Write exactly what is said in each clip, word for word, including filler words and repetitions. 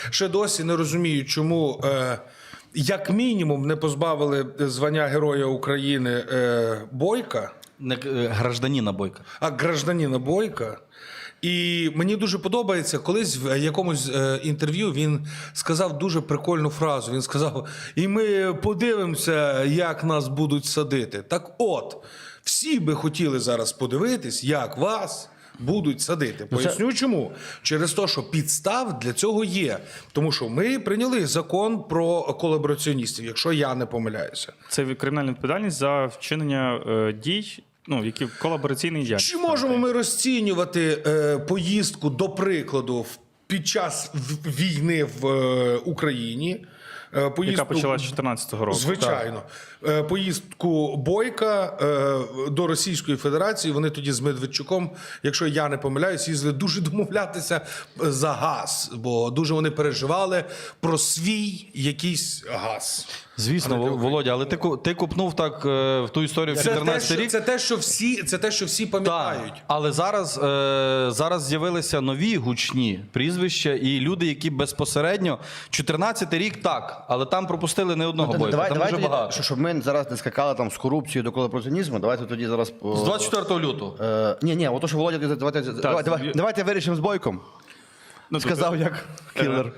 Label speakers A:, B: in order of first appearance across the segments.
A: Ще досі не розумію, чому, е, як мінімум, не позбавили звання Героя України е, Бойка,
B: Не е, гражданина Бойка.
A: а гражданина Бойка. І мені дуже подобається, колись в якомусь е, інтерв'ю він сказав дуже прикольну фразу. Він сказав: і ми подивимося, як нас будуть садити. Так от, всі би хотіли зараз подивитись, як вас будуть садити. Поясню чому. Через те, що підстав для цього є. Тому що ми прийняли закон про колабораціоністів, якщо я не помиляюся.
C: Це кримінальна відповідальність за вчинення е, дій, ну, які колабораційний діяльність.
A: Чи можемо ми розцінювати е, поїздку, до прикладу, в- під час в- війни в е, Україні? е, Поїздку,
C: Яка почалася з чотирнадцятого року.
A: Звичайно. Е, Поїздку Бойка е, до Російської Федерації, вони тоді з Медведчуком, якщо я не помиляюсь, їздили дуже домовлятися за газ, бо дуже вони переживали про свій якийсь газ.
B: Звісно,
A: А не
B: Володя, але ти, ку- ти купнув так е, в ту історію в
A: Це те,
B: чотирнадцятий
A: що,
B: рік.
A: це те, що всі, це те, що всі пам'ятають.
B: Так, але зараз, е, зараз з'явилися нові гучні прізвища і люди, які безпосередньо чотирнадцятий рік так, але там пропустили не одного бойка,
D: Давай,
B: там
D: давай,
B: дуже
D: тоді,
B: багато.
D: що- щоб ми зараз не скакали там з корупцією до колабораціонізму, давайте тоді зараз... о,
B: З двадцять четвертого лютого.
D: Е, ні, ні, ото що Володя, давайте, давай, давай,
C: я-
D: давайте вирішимо з Бойком.
C: Ну,
D: Сказав як кілер.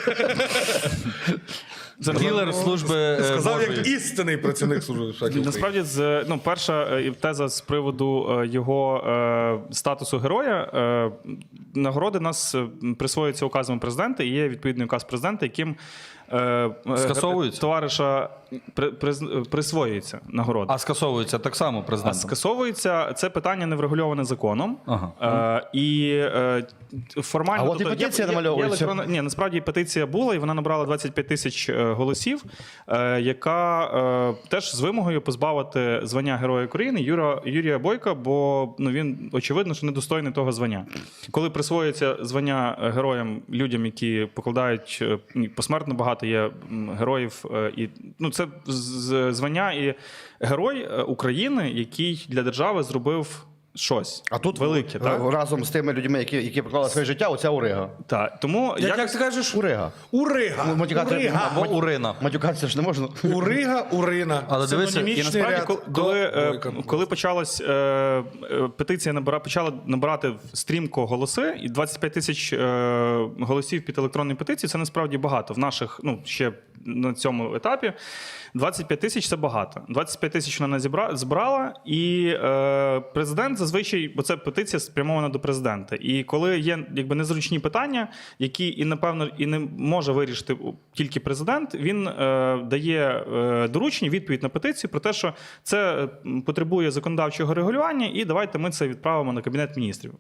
C: Це
B: Кілер служби е,
A: Сказав,
B: Божої.
A: як істинний працівник Служби безпеки України.
C: Насправді, з ну, перша е, теза з приводу е, його е, статусу героя. Е, нагороди нас е, присвоюються указом президента, і є відповідний указ президента, яким е,
B: Скасовуються?
C: товариша при, приз- присвоюється нагорода.
B: А скасовується так само
C: А
B: президентом.
C: скасовується це питання не врегульоване законом.
B: Ага.
C: Е, і е, формально.
D: А от і
C: тобто, є-
D: петиція
C: є- є
D: намальовується.
C: електронна- Ні, насправді петиція була, і вона набрала двадцять п'ять тисяч е, голосів, е, яка е, теж з вимогою позбавити звання Героя України Юра, Юрія Бойка, бо ну, він очевидно, що недостойний того звання. Коли присвоюється звання героям людям, які покладають е, ні, посмертно багато є м, героїв, е, і ну це з- з- звання і герой е, України, який для держави зробив щось
D: А тут
C: велике, так?
D: разом з тими людьми, які, які поклали своє життя, оця Урига.
C: Так, тому
A: Як,
C: як,
A: як ти кажеш?
D: Урига.
A: Урига.
D: Ну, матюкати-
A: Урига.
B: Або Урина.
D: Матюкатися ж не можна.
A: Урига, Урина.
B: Але дивися,
C: і
A: Синонімічний
C: насправді,
A: ряд
C: коли,
A: до
C: коли, е,
A: Бойка.
C: коли почалась е, е, петиція набира, почала набирати стрімко голоси, і двадцять п'ять тисяч е, голосів під електронною петицією, це насправді багато. В наших, ну, ще на цьому етапі двадцять п'ять тисяч це багато. двадцять п'ять тисяч вона зібра, збрала, і е, президент зазвичай, бо це петиція спрямована до президента. І коли є якби незручні питання, які і напевно і не може вирішити тільки президент, він е, дає е, доручення, відповідь на петицію про те, що це м, потребує законодавчого регулювання, і давайте ми це відправимо на Кабінет Міністрів.